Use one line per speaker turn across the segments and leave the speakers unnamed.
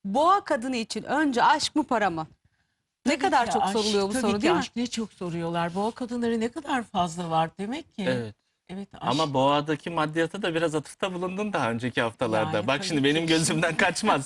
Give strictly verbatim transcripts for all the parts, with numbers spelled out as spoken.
Boğa kadını için önce aşk mı para mı? Ne
Tabii
kadar
ki
çok
aşk,
soruluyor bu
tabii
soru
ki
değil mi?
aşk ne çok soruyorlar. Boğa kadınları ne kadar fazla var demek ki.
Evet.
Evet, aşk.
Ama boğadaki maddiyata da biraz atıfta bulundun daha önceki haftalarda.
Yani
Bak
tabii
şimdi
ki.
benim gözümden
Şimdi-
kaçmaz.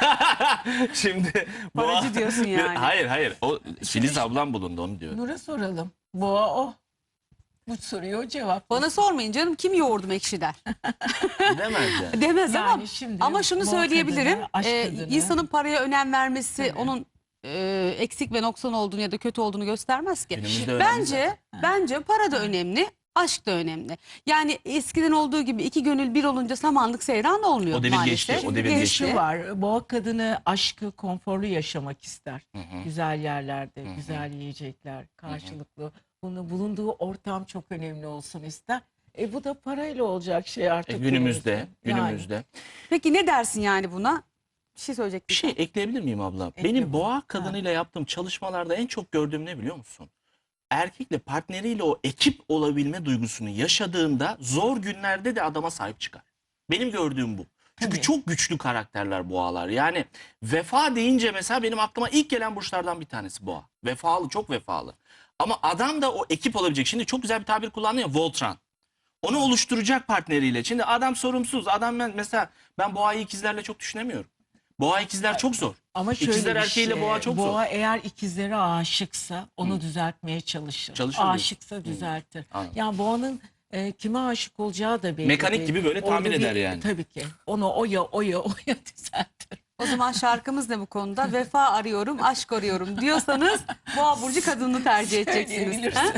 Şimdi
Paracı diyorsun yani.
Hayır hayır. O Filiz ablam bulundu onu diyor.
Nur'a soralım. Boğa o. Bu soruya o cevap.
Bana sormayın canım, kim yoğurdum ekşi der.
Demez yani.
Demez
Yani
ama
şimdi
ama şunu
boğa
söyleyebilirim.
kadını, aşk
Ee,
kadını.
insanın paraya önem vermesi
Tabii.
onun e, eksik ve noksan olduğunu ya da kötü olduğunu göstermez ki.
Günümüzde önemli
Bence
zaten.
bence para da önemli, aşk da önemli. Yani eskiden olduğu gibi iki gönül bir olunca samanlık seyran olmuyor
O devir
maalesef.
geçti, o devir
Bir de
geçti.
şu var. Boğa kadını aşkı konforlu yaşamak ister.
Hı hı.
Güzel yerlerde,
Hı hı.
güzel yiyecekler, karşılıklı. Bunu bulunduğu ortam çok önemli olsun ister. E bu da parayla olacak şey artık.
E, günümüzde,
Yani.
günümüzde.
Peki ne dersin yani buna? Bir şey söyleyecek
Bir şey ekleyebilir miyim abla?
Ekle
Benim
bunu.
boğa kadınıyla yaptığım çalışmalarda en çok gördüğüm ne biliyor musun? Erkekle partneriyle o ekip olabilme duygusunu yaşadığında zor günlerde de adama sahip çıkar. Benim gördüğüm bu. Çünkü
Tabii.
çok güçlü karakterler boğalar. Yani vefa deyince mesela benim aklıma ilk gelen burçlardan bir tanesi boğa. Vefalı, çok vefalı. Ama adam da o ekip olabilecek. Şimdi çok güzel bir tabir kullandı ya, Voltran. Onu oluşturacak partneriyle. Şimdi adam sorumsuz. Adam ben mesela ben boğayı ikizlerle çok düşünemiyorum. Boğa ikizler çok zor.
Ama şöyle
İkizler
bir
erkeğiyle
şey,
boğa çok
boğa
zor.
eğer ikizlere aşıksa onu düzeltmeye çalışır.
Çalışır diyorsun.
Aşıksa düzeltir.
Anladım.
Yani boğanın e, kime aşık olacağı da belli
Mekanik
değil.
gibi böyle
Orada
tahmin
bir-
eder yani.
Tabii ki. Onu oya oya oya düzeltir.
O zaman şarkımız ne bu konuda? Vefa arıyorum, aşk arıyorum diyorsanız Boğa burcu kadını tercih edeceksiniz.
Söyleyebilirsin.
Ha?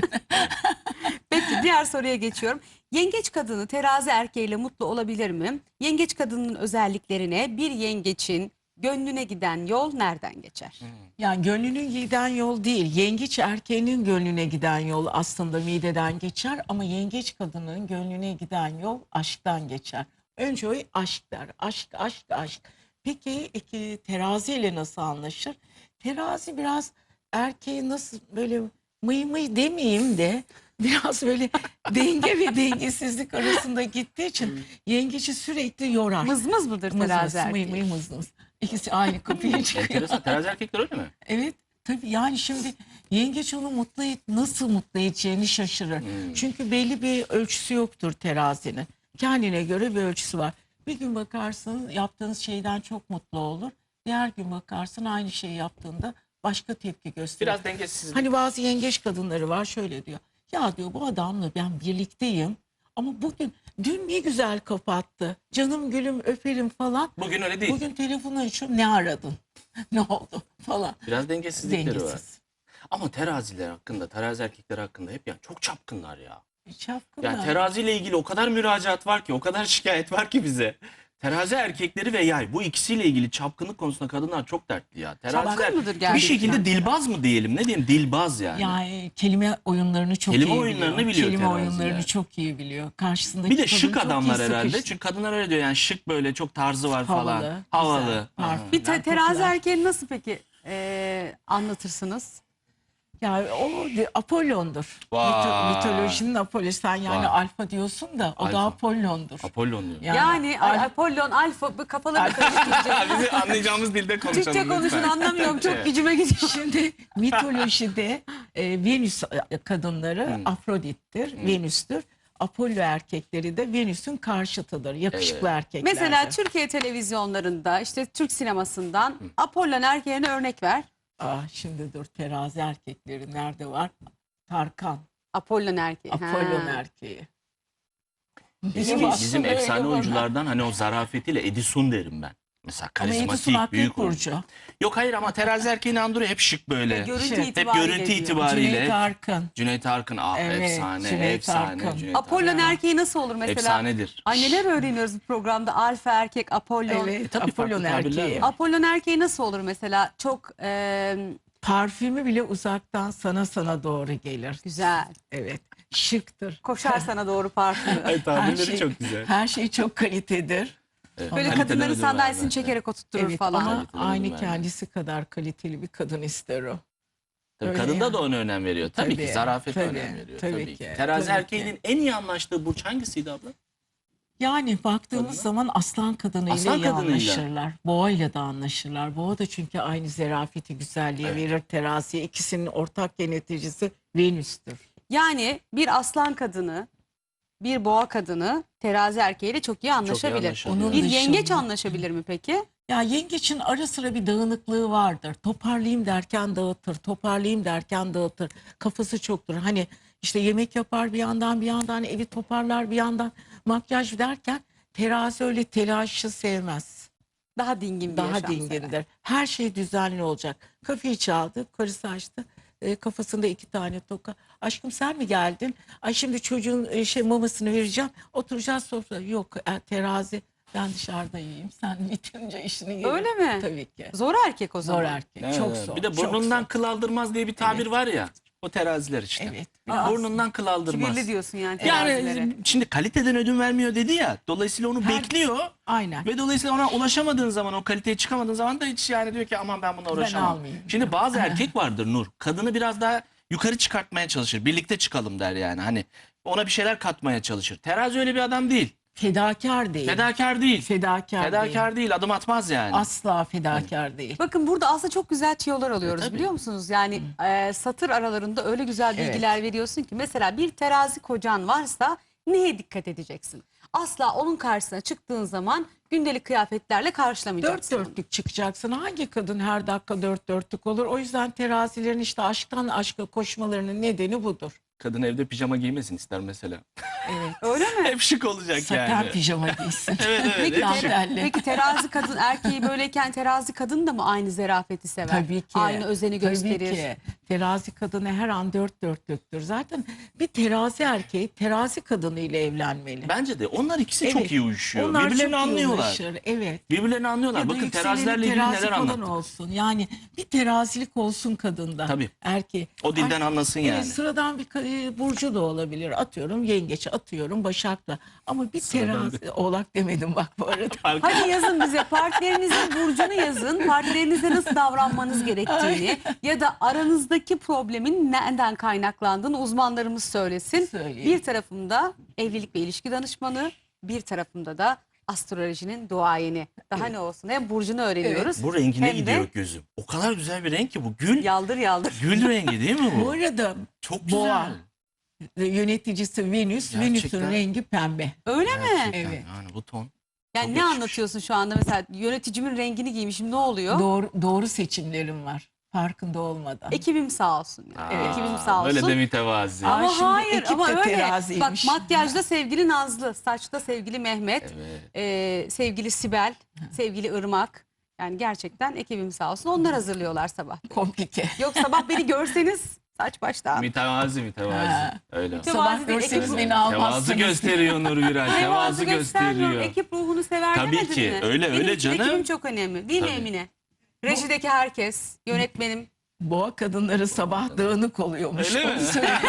Peki diğer soruya geçiyorum. Yengeç kadını terazi erkeğiyle mutlu olabilir mi? Yengeç kadının özelliklerine, bir yengeçin gönlüne giden yol nereden geçer?
Yani gönlünün giden yol değil. Yengeç erkeğinin gönlüne giden yol aslında mideden geçer. Ama yengeç kadının gönlüne giden yol aşktan geçer. Önce o aşk der. Aşk, aşk, aşk. Peki iki teraziyle nasıl anlaşır? Terazi biraz erkeği nasıl böyle mıy mıy demeyeyim de biraz böyle denge ve dengesizlik arasında gittiği için yengeci sürekli yorar.
Mızmız mıdır
Mız
terazi
mız,
erkeği?
mıy mıy mız mız. İkisi aynı kapıya çıkıyor.
Enteresan. Terazi erkekler öyle mi?
Evet tabii yani şimdi yengeç onu mutlu et, nasıl mutlu edeceğini şaşırır.
Hmm.
Çünkü belli bir ölçüsü yoktur terazinin. Kendine göre bir ölçüsü var. Bir gün bakarsın yaptığınız şeyden çok mutlu olur. Diğer gün bakarsın aynı şeyi yaptığında başka tepki gösterir.
Biraz dengesizlik.
Hani bazı yengeç kadınları var şöyle diyor. Ya diyor bu adamla ben birlikteyim ama bugün dün ne güzel kapattı. Canım gülüm öperim falan.
Bugün öyle değil.
Bugün telefonu açıyorum ne aradın? Ne oldu falan.
Biraz dengesizlikleri var.
Dengesiz.
Ama teraziler hakkında, terazi erkekleri hakkında hep yani çok çapkınlar ya.
Çapkınlar.
Yani teraziyle ilgili o kadar müracaat var ki, o kadar şikayet var ki bize. Terazi erkekleri ve yay, bu ikisiyle ilgili çapkınlık konusunda kadınlar çok dertli ya. Teraziler
Çapkın mıdır
bir
gerçekten?
şekilde dilbaz mı diyelim, ne diyelim, dilbaz yani.
Yani kelime oyunlarını çok
Kelime
iyi
oyunlarını
biliyor.
biliyor
Kelime
teraziler.
oyunlarını çok iyi biliyor. Karşısındaki
Bir de
kadın
şık
çok iyi
adamlar herhalde.
sıkıştı.
Çünkü kadınlar öyle diyor yani, şık böyle çok tarzı var
Havalı,
falan.
güzel,
Havalı.
parfüm.
Aha.
Bir te-
Yani
terazi
popüler.
erkeğini nasıl peki e, anlatırsınız?
Yani o de- Apollon'dur.
Vay.
Mito- mitolojinin Apollo. Sen yani
Vay.
alfa diyorsun da o
Alfa.
da Apollon'dur.
Apollon diyor.
Yani
Yani,
Al-
Apollon, Alfa, bu kafaları karıştıracak.
Bizi anlayacağımız dilde konuşalım
Türkçe konuşun,
lütfen.
anlamıyorum, çok
Evet.
gücüme gidiyor.
Şimdi mitolojide e, Venüs kadınları
Hmm.
Afrodit'tir, Venüs'tür. Apollo erkekleri de Venüs'ün karşıtıdır. Yakışıklı erkekler.
Mesela Türkiye televizyonlarında, işte Türk sinemasından Apollon erkeğine örnek ver.
Ah, şimdi dur terazi erkekleri nerede var? Tarkan,
Apollon erkeği.
Apollon
Ha.
erkeği.
Bizim,
Benim
bizim
aslında
efsane
öyle
oyunculardan hani o zarafetiyle Edison derim ben. Mesela
Ama Edison
karizmatik,
Akgül
büyük oyuncu.
Burcu.
Yok hayır ama terazi erkeğini andırıyor hep şık böyle.
Görüntü
Şey, hep
Hep
itibariyle
görüntü
diyor.
itibariyle.
Cüneyt Arkın.
Cüneyt Arkın ah
Evet,
efsane,
Cüneyt
efsane.
Arkın.
Cüneyt
Apollon
Arkın.
erkeği nasıl olur mesela?
Efsanedir.
Ay neler öğreniyoruz bu programda. Alfa erkek, Apollon.
Evet,
tabii
Apollon
farklı tabirler
erkeği.
var.
Apollon erkeği nasıl olur mesela? Çok e,
Parfümü bile uzaktan sana sana doğru gelir.
güzel.
Evet, şıktır.
Koşar sana doğru parfümü.
Ay,
Her
tabirleri
şey,
çok güzel.
her şey çok kalitedir.
Evet,
Böyle
kaliteden
kadınların
ödül
sandalyesini
vermez.
çekerek oturtturur
Evet
falan.
ama
Kaliteden
aynı
ödül
kendisi kadar kaliteli bir kadın ister o.
Tabii
Öyle
kadında
yani.
da ona önem veriyor. Tabii,
Tabii,
ki zarafete
tabii,
önem veriyor.
tabii
Tabii,
ki,
ki. Terazi
tabii
erkeğinin en iyi anlaştığı burç hangisiydi abla?
Yani baktığımız
Kadına.
zaman aslan kadınıyla
Aslan
iyi
kadınıyla.
anlaşırlar. Boğayla da anlaşırlar. Boğa da çünkü aynı zerafeti, güzelliği
Evet.
verir teraziye. İkisinin ortak yöneticisi Venüs'tür.
Yani bir aslan kadını, bir boğa kadını terazi erkeğiyle çok iyi anlaşabilir.
anlaşabilir.
Onun
Bir
dışında-
yengeç anlaşabilir mi peki?
Ya yengeçin ara sıra bir dağınıklığı vardır. Toparlayayım derken dağıtır, toparlayayım derken dağıtır. Kafası çoktur. Hani işte yemek yapar bir yandan, bir yandan evi toparlar, bir yandan makyaj derken terazi öyle telaşı sevmez.
Daha dingin bir
Daha
yaşam sever.
dingindir. Her şey düzenli olacak. Kapıyı çaldı, karısı açtı. E, kafasında iki tane toka. Aşkım sen mi geldin? Ay şimdi çocuğun e, şey mamasını vereceğim. Oturacağız sofrada. Yok e, terazi. Ben dışarıda yiyeyim. Sen bitirince işini yerim.
Öyle mi?
Tabii ki.
Zor erkek o zaman.
Zor erkek.
Evet,
Çok
evet.
zor.
Bir de
çok
burnundan
zor.
kıl aldırmaz diye bir tabir
Evet.
var ya. O teraziler işte.
Evet.
Aa,
Burnundan kıl aldırmaz.
Kibirli diyorsun yani
Yani
terazilere.
şimdi kaliteden ödün vermiyor dedi ya. Dolayısıyla onu
Her-
bekliyor.
Aynen.
Ve dolayısıyla ona ulaşamadığın zaman, o kaliteye çıkamadığın zaman da hiç yani diyor ki aman ben buna uğraşamam.
almayayım.
Şimdi bazı erkek vardır Nur. Kadını biraz daha yukarı çıkartmaya çalışır. Birlikte çıkalım der yani. Hani ona bir şeyler katmaya çalışır. Terazi öyle bir adam değil.
Fedakar değil.
Fedakar değil.
Fedakar, değil.
Fedakar değil. Adım atmaz yani.
Asla fedakar değil.
Bakın burada aslında çok güzel tüyolar alıyoruz
E, tabii.
biliyor musunuz? Yani e, satır aralarında öyle güzel
Evet.
bilgiler veriyorsun ki mesela bir terazi kocan varsa neye dikkat edeceksin? Asla onun karşısına çıktığın zaman gündelik kıyafetlerle
Dört
karşılamayacaksın. onu.
dörtlük çıkacaksın. Hangi kadın her dakika dört dörtlük olur? O yüzden terazilerin işte aşktan aşka koşmalarının nedeni budur.
Kadın evde pijama giymesin ister mesela.
Evet.
Öyle mi?
Hep şık olacak
Saten
yani.
pijama giysin.
Evet evet.
Peki,
hep
Tam
şık.
tera-
belli.
peki terazi kadın erkeği böyleyken terazi kadın da mı aynı zerafeti sever?
Tabii ki.
Aynı özeni gösterir.
Tabii ki. Terazi kadını her an dört dörtlüktür. Zaten bir terazi erkeği terazi kadını ile evlenmeli.
Bence de onlar ikisi
Evet.
çok iyi uyuşuyor.
Onlar
Birbirlerini
çok iyi
anlıyorlar.
uyuşur. Evet.
Birbirlerini anlıyorlar.
Ya da
Bakın
yükseleni
terazilerle ilgili
terazi
neler
falan
anlattık.
olsun. Yani bir terazilik olsun kadında.
Tabii.
Erkeği.
O dilden
Ay-
anlasın
Evet,
yani.
sıradan bir ka- e, burcu da olabilir. Atıyorum yengeç, atıyorum başak da. Ama bir
Sıradan
terazi, oğlak demedim bak bu arada.
Hadi yazın bize partnerinizin burcunu yazın. Partnerinize nasıl davranmanız gerektiğini ya da aranızdaki problemin nereden kaynaklandığını uzmanlarımız söylesin.
Söyleyin.
Bir tarafımda evlilik ve ilişki danışmanı, bir tarafımda da astrolojinin duayeni. Daha ne olsun? Hem burcunu öğreniyoruz.
Bu rengine
hem de
gidiyor gözüm. O kadar güzel bir renk ki bu. Gül.
Yaldır yaldır.
Gül rengi değil mi bu?
Bu arada
Çok güzel.
boğa yöneticisi Venüs.
Gerçekten.
Venüs'ün rengi pembe.
Öyle mi?
Gerçekten
Evet.
Yani bu ton.
Yani
Çok
ne
yakışmış.
anlatıyorsun şu anda mesela yöneticimin rengini giymişim ne oluyor?
Doğru, doğru seçimlerim var. Farkında olmadan.
Ekibim sağ olsun. Yani.
Aa,
Ekibim sağ olsun.
Böyle de mütevazi.
Aa,
Ama
şimdi
hayır
ekip
ama
de
öyle. Bak
teraziymiş.
makyajda sevgili Nazlı, saçta sevgili Mehmet,
Evet.
e, sevgili Sibel, sevgili Irmak. Yani gerçekten ekibim sağ olsun. Onlar hazırlıyorlar sabah.
Komplike.
Yok sabah beni görseniz saç başta.
Mütevazi mütevazi.
Ha.
Öyle.
Mütevazi
Sabah
de
görseniz
ekip-
beni
Tevazu
almazsınız.
gösteriyor Nur Viral.
Tevazu
Tevazu
göstermiyorum.
gösteriyor.
Ekip ruhunu sever
Tabii
demedin
ki,
mi?
öyle,
Benim
öyle
için
canım.
ekibim çok önemli. Değil mi
Tabii.
Emine? Rejideki herkes, yönetmenim.
Boğa kadınları sabah dağınık oluyormuş.
Öyle
Onu
mi?
söyleyeyim.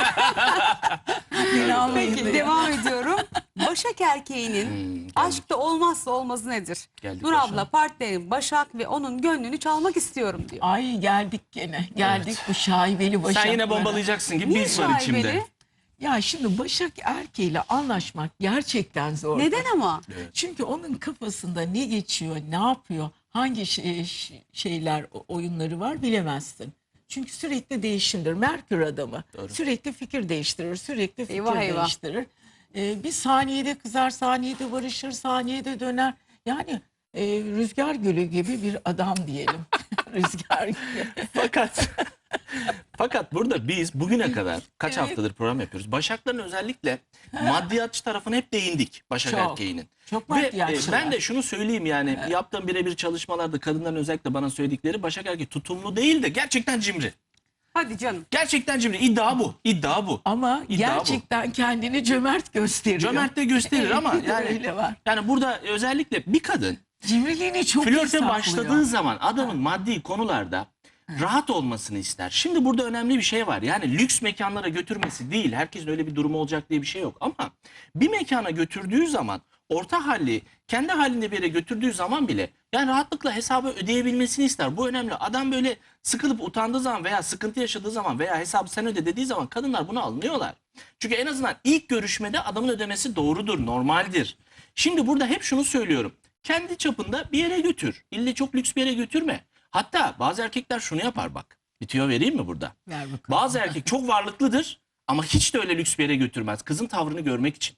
Beni almayın
Peki
diye.
devam ediyorum. Başak erkeğinin
Hmm, geldik.
aşkta olmazsa olmazı nedir?
Geldik
Nur
Başak'a.
abla partnerim Başak ve onun gönlünü çalmak istiyorum diyor.
Ay geldik gene. Geldik bu şaibeli başaklara.
Sen yine bombalayacaksın gibi
Niye
biz var içimde.
şaibeli?
Ya şimdi başak erkeğiyle anlaşmak gerçekten zor.
Neden ama?
Çünkü onun kafasında ne geçiyor, ne yapıyor, hangi şey- ş- şeyler, o- oyunları var bilemezsin. Çünkü sürekli değişimdir. Merkür adamı.
Doğru.
Sürekli fikir değiştirir, sürekli fikir
Eyvah, eyvah.
değiştirir. Ee, bir saniyede kızar, saniyede barışır, saniyede döner. Yani e, rüzgar gülü gibi bir adam diyelim. Rüzgar gülü.
Fakat fakat burada biz bugüne kadar kaç
Evet.
haftadır program yapıyoruz. Başakların özellikle maddiyatçı tarafına hep değindik Başak
Çok.
erkeğinin.
Çok
Ve e,
maddiyatçılar.
ben de şunu söyleyeyim yani yaptığım birebir çalışmalarda kadınların özellikle bana söyledikleri Başak erkeği tutumlu değil de gerçekten cimri.
Hadi canım.
Gerçekten cimri. İddia bu. İddia bu.
Ama
İddia bu.
gerçekten kendini cömert gösteriyor.
Cömert de gösterir ama
Evet,
yani
öyle var.
yani burada özellikle bir kadın
Cimriliğini çok iyi
flörte
saklıyor.
başladığı zaman adamın maddi konularda rahat olmasını ister. Şimdi burada önemli bir şey var. Yani lüks mekanlara götürmesi değil. Herkesin öyle bir durumu olacak diye bir şey yok. Ama bir mekana götürdüğü zaman orta halli kendi halinde bir yere götürdüğü zaman bile yani rahatlıkla hesabı ödeyebilmesini ister. Bu önemli. Adam böyle sıkılıp utandığı zaman veya sıkıntı yaşadığı zaman veya hesabı sen öde dediği zaman kadınlar bunu anlıyorlar. Çünkü en azından ilk görüşmede adamın ödemesi doğrudur, normaldir. Şimdi burada hep şunu söylüyorum. Kendi çapında bir yere götür. İlle çok lüks bir yere götürme. Hatta bazı erkekler şunu yapar bak. Bir tüyo vereyim mi burada?
Ver bakalım.
Bazı erkek çok varlıklıdır ama hiç de öyle lüks bir yere götürmez. Kızın tavrını görmek için.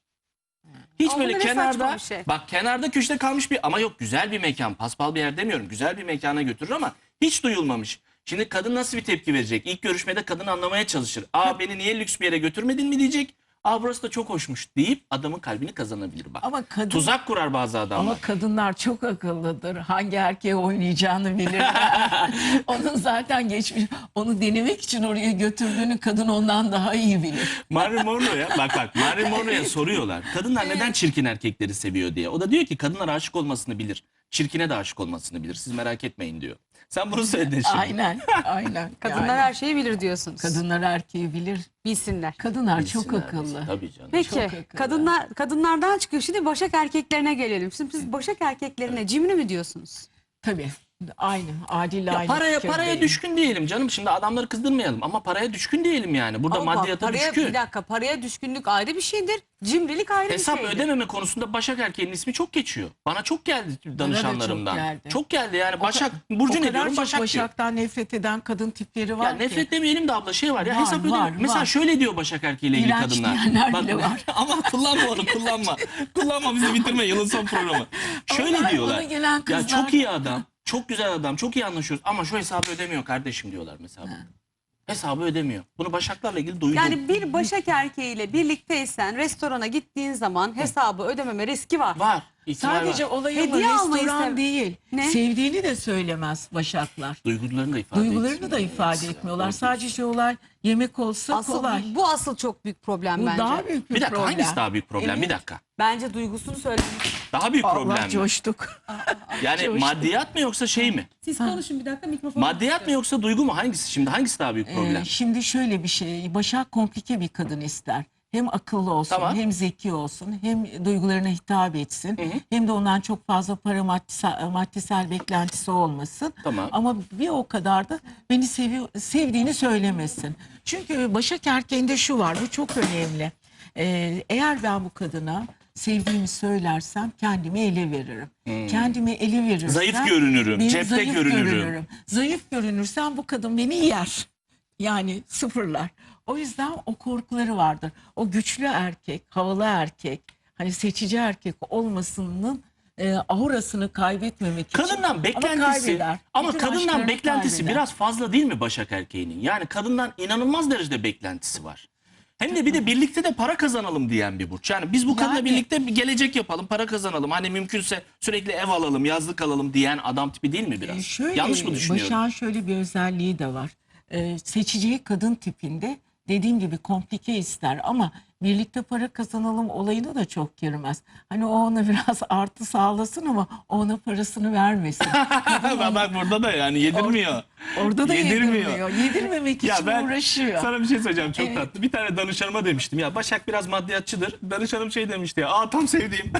Hiç
Ama
böyle
bu ne saçma
kenarda
bir şey.
bak kenarda köşede kalmış bir ama yok güzel bir mekan, paspal bir yer demiyorum. Güzel bir mekana götürür ama hiç duyulmamış. Şimdi kadın nasıl bir tepki verecek? İlk görüşmede kadın anlamaya çalışır. Aa beni niye lüks bir yere götürmedin mi diyecek. Aa burası da çok hoşmuş deyip adamın kalbini kazanabilir bak.
Ama kadın
Tuzak kurar bazı adamlar.
Ama kadınlar çok akıllıdır. Hangi erkeğe oynayacağını bilirler. Onun zaten geçmiş, onu denemek için oraya götürdüğünü kadın ondan daha iyi bilir.
Marilyn Monroe'ya bak bak Marilyn Monroe'ya soruyorlar. Kadınlar neden çirkin erkekleri seviyor diye. O da diyor ki kadınlar aşık olmasını bilir. Çirkine de aşık olmasını bilir. Siz merak etmeyin diyor. Sen bunu söyledin şimdi.
Aynen, aynen.
Kadınlar
Yani
her şeyi bilir diyorsunuz.
kadınlar erkeği bilir.
Bilsinler.
Kadınlar çok
Bilsinler,
akıllı.
bilsin. Tabii canım.
Peki
Çok akıllı.
kadınlar kadınlardan çıkıyor. Şimdi başak erkeklerine gelelim. Şimdi siz başak erkeklerine cimri mi diyorsunuz?
Tabii. Aynı. Adil
Ya
aynı.
paraya
fikirdeyim.
paraya düşkün diyelim canım. Şimdi adamları kızdırmayalım ama paraya düşkün diyelim yani. Burada
Ama bak,
maddiyata
paraya,
düşkün.
bir dakika paraya düşkünlük ayrı bir şeydir. Cimrilik ayrı
Hesap
bir şeydir.
ödememe konusunda Başak erkeğinin ismi çok geçiyor. Bana çok geldi danışanlarımdan.
çok geldi.
Çok geldi yani
O
Başak.
ka-
Burcu
o
ne
kadar
diyorum
çok
Başak diyor.
Başak'tan nefret eden kadın tipleri var
Ya
ki.
nefret demeyelim de abla şey var ya
Var,
hesap ödeme.
var,
Mesela
var.
şöyle diyor Başak erkeğiyle ilgili
İğrenç
kadınlar.
diyenler bile var.
Ama kullanma onu kullanma. kullanma bizi bitirme yılın son programı. Şöyle
Onlar,
diyorlar.
bana gelen
Ya
kızlar-
çok iyi adam. Çok güzel adam. Çok iyi anlaşıyoruz ama şu hesabı ödemiyor kardeşim diyorlar mesela. Hesabı ödemiyor. Bunu Başaklarla ilgili duydum.
Yani bir başak erkeğiyle birlikteysen restorana gittiğin zaman hesabı ödememe riski var.
var. ihtimal
Sadece
var.
olayı
Hediye almayı
restoran
sev-
değil.
Ne?
Sevdiğini de söylemez Başaklar.
Duygularını da ifade
Duygularını
etmiyor.
da ifade etmiyorlar. Sadece olay yemek olsa
Asıl
kolay.
bu, bu asıl çok büyük problem
Bu
bence.
daha büyük bir,
Bir dakika
problem.
hangisi daha büyük problem?
Evet.
Bir dakika.
Bence duygusunu söylemek.
Daha büyük problem
Allah
mi?
coştuk.
Yani
coştuk.
maddiyat mı yoksa şey mi?
Siz konuşun bir dakika mikrofonu.
Maddiyat mı yoksa duygu mu? Hangisi şimdi? Hangisi daha büyük problem?
Ee, şimdi şöyle bir şey. Başak komplike bir kadın ister. Hem akıllı olsun,
Tamam.
hem zeki olsun, hem duygularına hitap etsin.
Hı hı.
Hem de ondan çok fazla para maddesel, maddesel beklentisi olmasın.
Tamam.
Ama bir o kadar da beni seviyor, sevdiğini söylemesin. Çünkü Başak erkeğinde şu var, bu çok önemli. Ee, eğer ben bu kadına sevdiğimi söylersem kendimi ele veririm. Kendimi ele verirsem...
Zayıf görünürüm,
ben
cepte
zayıf
görünürüm.
Zayıf görünürsem bu kadın beni yer. Yani sıfırlar. O yüzden o korkuları vardır. O güçlü erkek, havalı erkek, hani seçici erkek olmasının e, aurasını kaybetmemek için.
Kadından
Ama
beklentisi
kaybeder.
ama
Bütün
kadından
aşklarını
beklentisi
kaybeder.
biraz fazla değil mi Başak erkeğinin? Yani kadından inanılmaz derecede beklentisi var. Hem de bir de birlikte de para kazanalım diyen bir burç. Yani biz bu kadınla
Yani-
birlikte bir gelecek yapalım, para kazanalım. Hani mümkünse sürekli ev alalım, yazlık alalım diyen adam tipi değil mi biraz?
E, şöyle,
Yanlış mı düşünüyorum?
Başak'ın şöyle bir özelliği de var. Ee, seçeceği kadın tipinde dediğim gibi komplike ister ama birlikte para kazanalım olayına da çok girmez. Hani o ona biraz artı sağlasın ama o ona parasını vermesin.
Bak bak burada da yani yedirmiyor.
Orada da
Yedirmiyor.
yedirmiyor. Yedirmemek için uğraşıyor.
sana bir şey söyleyeceğim çok
Evet.
tatlı. Bir tane danışanıma demiştim ya Başak biraz maddiyatçıdır. Danışanım şey demişti ya aa tam sevdiğim.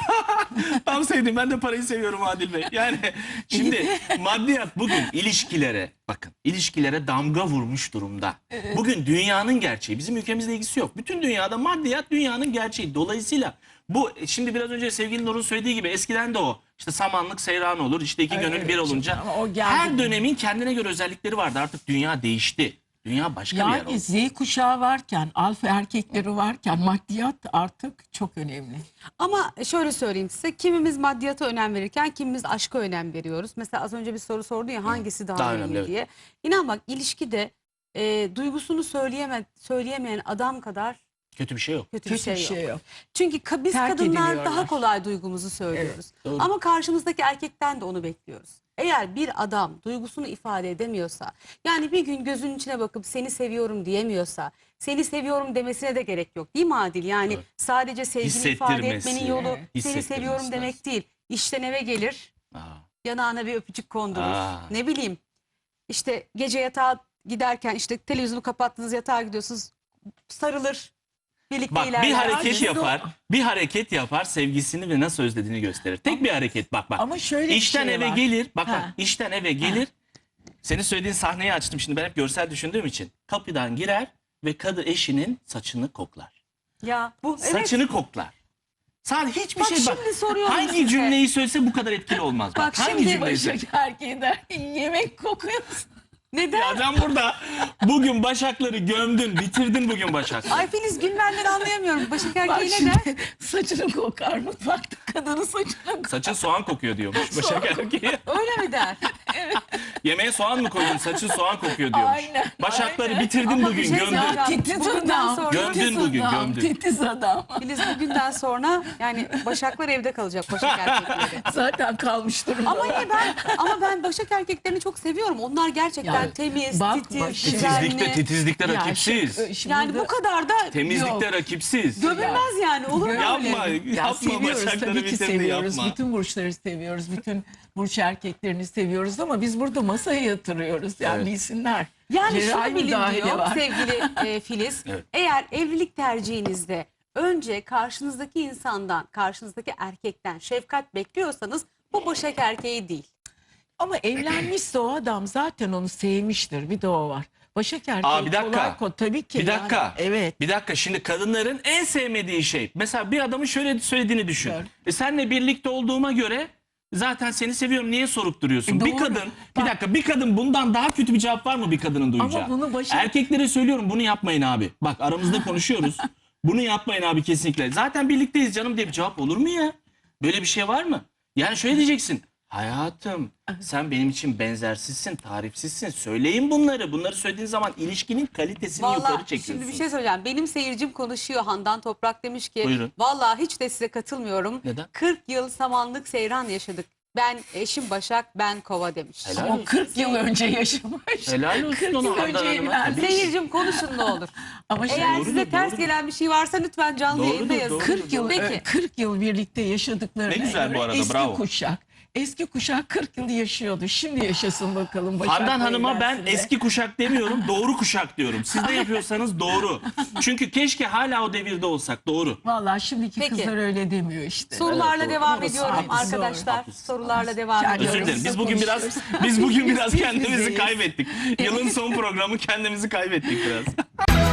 tam sevdiğim ben de parayı seviyorum Adil Bey. Yani şimdi maddiyat bugün ilişkilere bakın ilişkilere damga vurmuş durumda. Bugün dünyanın gerçeği bizim ülkemizle ilgisi yok. Bütün dünyada maddiyat dünyanın gerçeği. Dolayısıyla bu şimdi biraz önce sevgili Nur'un söylediği gibi eskiden de o işte samanlık seyran olur işte iki gönül
Evet,
bir olunca
ama o geldi.
her dönemin kendine göre özellikleri vardı artık dünya değişti. Dünya başka bir yer oldu.
Yani Z kuşağı varken, alfa erkekleri varken maddiyat artık çok önemli.
Ama şöyle söyleyeyim size, kimimiz maddiyata önem verirken kimimiz aşka önem veriyoruz. Mesela az önce bir soru sordu ya hangisi daha,
Daha
önemli
önemli, evet.
diye. İnan bak ilişkide e, duygusunu söyleyeme, söyleyemeyen adam kadar
Kötü bir şey yok.
kötü,
Kötü
bir şey, yok.
yok.
Çünkü ka- biz
Terk
kadınlar
ediliyorlar.
daha kolay duygumuzu söylüyoruz.
doğru.
Ama karşımızdaki erkekten de onu bekliyoruz. Eğer bir adam duygusunu ifade edemiyorsa, yani bir gün gözünün içine bakıp seni seviyorum diyemiyorsa, seni seviyorum demesine de gerek yok değil mi Adil? Yani
Evet.
sadece sevgini ifade
Hissettirmesi,
etmenin yolu
evet.
seni
Hissettirmesi
seviyorum
lazım.
demek değil. İşten eve gelir,
Aa,
yanağına bir öpücük kondurur.
Aa.
Ne bileyim işte gece yatağa giderken işte televizyonu kapattınız yatağa gidiyorsunuz sarılır. Birlikte
Bak bir
ilerler.
hareket
Biz de-
yapar, bir hareket yapar, sevgisini ve nasıl özlediğini gösterir. Tek bir hareket bak bak.
Ama şöyle bir
İşten
şey
eve
var.
gelir, bak bak
Ha.
işten eve gelir. Senin söylediğin sahneyi açtım şimdi ben hep görsel düşündüğüm için. Kapıdan girer ve kadın eşinin saçını koklar.
Ya bu evet.
Saçını koklar. Sadece hiçbir
Bak
şey bak.
şimdi soruyorum
Hangi
size.
cümleyi söylese bu kadar etkili olmaz. Bak,
Bak
hangi
şimdi
cümleyi
Başak
söylese.
erkeği der ki yemek kokuyorsun.
Neden?
Ya sen burada bugün başakları gömdün, bitirdin bugün başakları.
Ay Filiz gülmenden anlayamıyorum. Başak
Bak
erkeği ne der?
şimdi saçını kokar mutfakta kadının saçını kokar.
Saçın soğan kokuyor diyormuş başak erkeği.
Öyle mi der?
Yemeğe soğan mı koydun? Saçın soğan kokuyor diyormuş.
Aynen,
Başakları
aynen.
bitirdin
Ama bir
bugün,
şey
gömdün.
söyleyeceğim.
Titiz
Bugünden
adam.
sonra-
Gömdün
titiz
bugün,
adam,
gömdün.
Titiz adam.
Filiz bugünden sonra yani Başaklar evde kalacak, Başak erkekleri.
Zaten kalmış durumda.
Ama iyi ben ama ben Başak erkeklerini çok seviyorum. Onlar gerçekten
Yani
temiz,
bak,
titiz,
bak,
düzenli.
Titizlikte, titizlikte
Ya
rakipsiz.
şu- şimdi
Yani bu
burada-
kadar da
Temizlikte
Yok.
rakipsiz.
gömülmez yani. Olur mu
Yapma,
öyle?
Ya
yapma
seviyoruz
başakları
tabii ki
bitirdi
seviyoruz.
yapma.
Bütün burçları seviyoruz. Bütün burç erkeklerini seviyoruz ama biz burada masaya yatırıyoruz. Yani
Evet.
bilsinler.
Yani
Cerrahi
şunu bilin
müdahale
diyor
var.
sevgili e, Filiz.
Evet.
Eğer evlilik tercihinizde önce karşınızdaki insandan, karşınızdaki erkekten şefkat bekliyorsanız bu Başak erkeği değil.
Ama evlenmişse o adam zaten onu sevmiştir. Bir de o var. Başak erkeği
Aa, bir dakika.
kolay ko- tabii ki.
Bir dakika.
Yani. Evet.
Bir dakika şimdi kadınların en sevmediği şey. Mesela bir adamın şöyle söylediğini düşün.
Evet.
E senle birlikte olduğuma göre zaten seni seviyorum niye sorup duruyorsun?
E,
bir
doğru.
kadın bir
Bak-
dakika bir kadın bundan daha kötü bir cevap var mı bir kadının duyacağı?
Ama bunu Başak-
Erkeklere söylüyorum bunu yapmayın abi. Bak aramızda konuşuyoruz. Bunu yapmayın abi kesinlikle. Zaten birlikteyiz canım diye bir cevap olur mu ya? Böyle bir şey var mı? Yani şöyle diyeceksin. Hayatım sen benim için benzersizsin, tarifsizsin. Söyleyin bunları. Bunları söylediğin zaman ilişkinin kalitesini yukarı
Vallahi
çekiyorsun.
şimdi bir şey söyleyeceğim. Benim seyircim konuşuyor. Handan Toprak demiş ki
Buyurun.
vallahi hiç de size katılmıyorum.
Neden?
kırk yıl samanlık seyran yaşadık. Ben eşim Başak, ben Kova demiş.
Helal
Ama o kırk yıl önce yaşamış.
Helal olsun
kırk
ona,
yıl
Handan
önce
Hanım'a.
evlenmiş.
Seyircim konuşun ne olur.
Ama şey,
Eğer
Doğrudur,
size ters
doğrudur.
gelen bir şey varsa lütfen canlı
Doğrudur,
yayında yazın.
doğrudur.
kırk yıl
Peki.
kırk yıl birlikte yaşadıklarına
Ne güzel bu
göre
arada,
eski
bravo.
kuşak. Eski kuşak kırk yıl yaşıyordu. Şimdi yaşasın bakalım. Başak'la
Handan Hanım'a ben
evlensin de.
eski kuşak demiyorum, doğru kuşak diyorum. Siz de yapıyorsanız doğru. Çünkü keşke hala o devirde olsak, doğru.
Vallahi şimdiki
Peki.
kızlar öyle demiyor işte.
Sorularla
Evet,
devam
doğru.
ediyorum
Haklısın,
arkadaşlar.
haklısın.
Sorularla devam
Yani
ediyorum.
Özür dilerim. Biz
Aramızda
bugün biraz
konuşuyoruz.
biz bugün biraz
Biz
kendimizi
bizeyiz.
kaybettik. Yılın son programı kendimizi kaybettik biraz.